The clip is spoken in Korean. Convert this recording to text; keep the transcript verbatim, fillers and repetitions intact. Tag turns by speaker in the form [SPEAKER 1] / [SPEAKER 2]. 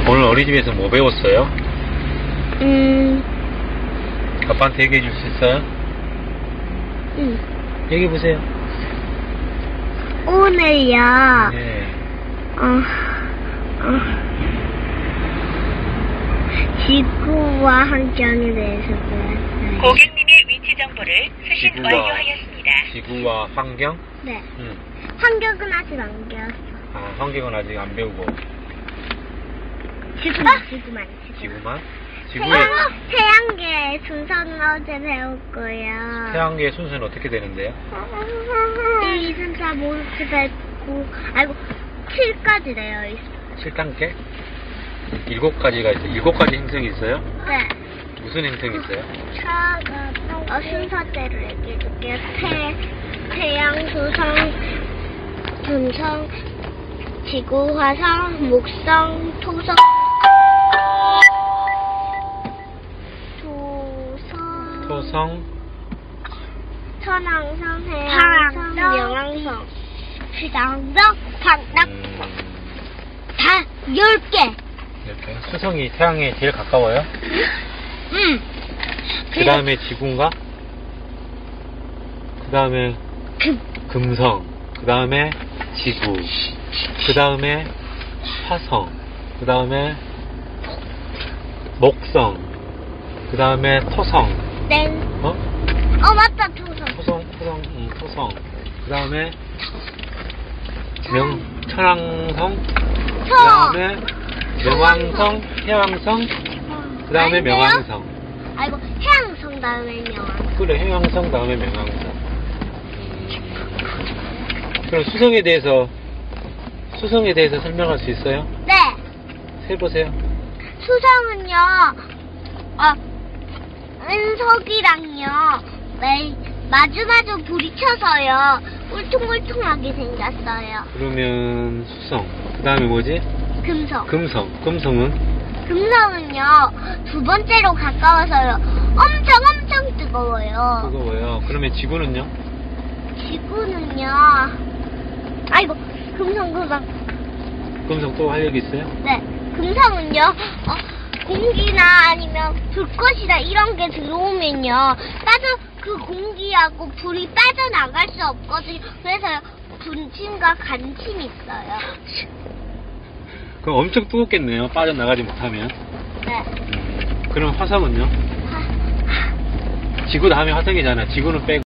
[SPEAKER 1] 오늘 어린이집에서 뭐 배웠어요?
[SPEAKER 2] 음,
[SPEAKER 1] 아빠한테 얘기해 줄 수 있어요?
[SPEAKER 2] 음.
[SPEAKER 1] 얘기해 보세요.
[SPEAKER 2] 오늘요,
[SPEAKER 1] 네.
[SPEAKER 2] 어, 어, 지구와 환경에 대해서 배웠어요.
[SPEAKER 3] 고객님의 위치 정보를 수신
[SPEAKER 1] 지구와,
[SPEAKER 3] 완료하였습니다.
[SPEAKER 1] 지구와 환경?
[SPEAKER 2] 네.
[SPEAKER 1] 응.
[SPEAKER 2] 환경은 아직 안 배웠어.
[SPEAKER 1] 아, 환경은 아직 안 배우고.
[SPEAKER 2] 지구만, 지구만, 지구.
[SPEAKER 1] 지구만? 지구의
[SPEAKER 2] 태양, 태양계 순서는 어제 배웠고요.
[SPEAKER 1] 태양계의 순서는 어떻게 되는데요?
[SPEAKER 2] 일, 이, 삼, 사, 오, 육, 칠, 팔, 구, 아이고, 칠까지 되어 있어.
[SPEAKER 1] 칠 단계? 일곱 가지가 있어요. 일곱 가지 행성이 있어요?
[SPEAKER 2] 네.
[SPEAKER 1] 무슨 행성이 있어요?
[SPEAKER 2] 어, 순서대로 얘기해줄게요. 태, 태양, 수성, 금성, 지구, 화성, 목성, 토성, 토성,
[SPEAKER 1] 토성,
[SPEAKER 2] 천왕성, 해왕성, 명왕성, 수장성, 방락,
[SPEAKER 1] 음,
[SPEAKER 2] 다 열 개.
[SPEAKER 1] 이렇게. 수성이 태양에 제일 가까워요?
[SPEAKER 2] 응.
[SPEAKER 1] 그 다음에 지구인가? 그 다음에
[SPEAKER 2] 금,
[SPEAKER 1] 금성, 그 다음에 지구, 그 다음에 화성, 그 다음에 목성, 그 다음에 토성,
[SPEAKER 2] 땡.
[SPEAKER 1] 어?
[SPEAKER 2] 어, 맞다, 토성.
[SPEAKER 1] 토성, 토성, 응, 토성, 그 다음에 명, 천왕성, 그 다음에 명왕성, 해왕성, 그 다음에
[SPEAKER 2] 아닌데요?
[SPEAKER 1] 명왕성.
[SPEAKER 2] 아이고, 해양성 다음에 명왕성.
[SPEAKER 1] 그래, 해왕성 다음에 명왕성. 그럼 수성에 대해서 수성에 대해서 설명할 수 있어요?
[SPEAKER 2] 네.
[SPEAKER 1] 해보세요.
[SPEAKER 2] 수성은요, 어, 은석이랑요, 매, 마주마주 부딪혀서요, 울퉁불퉁하게 생겼어요.
[SPEAKER 1] 그러면 수성. 그 다음에 뭐지?
[SPEAKER 2] 금성.
[SPEAKER 1] 금성. 금성은?
[SPEAKER 2] 금성은요, 두 번째로 가까워서요, 엄청 엄청 뜨거워요.
[SPEAKER 1] 뜨거워요. 그러면 지구는요?
[SPEAKER 2] 지구는요, 아이고, 금성, 금성.
[SPEAKER 1] 금성 또 할 얘기 있어요?
[SPEAKER 2] 네, 금성은요, 어, 공기나 아니면 불꽃이나 이런 게 들어오면요, 빠져, 그 공기하고 불이 빠져나갈 수 없거든요. 그래서 분침과 간침이 있어요.
[SPEAKER 1] 그럼 엄청 뜨겁겠네요. 빠져나가지 못하면.
[SPEAKER 2] 네.
[SPEAKER 1] 음, 그럼 화성은요?
[SPEAKER 2] 하,
[SPEAKER 1] 지구 다음에 화성이잖아. 지구는 빼고.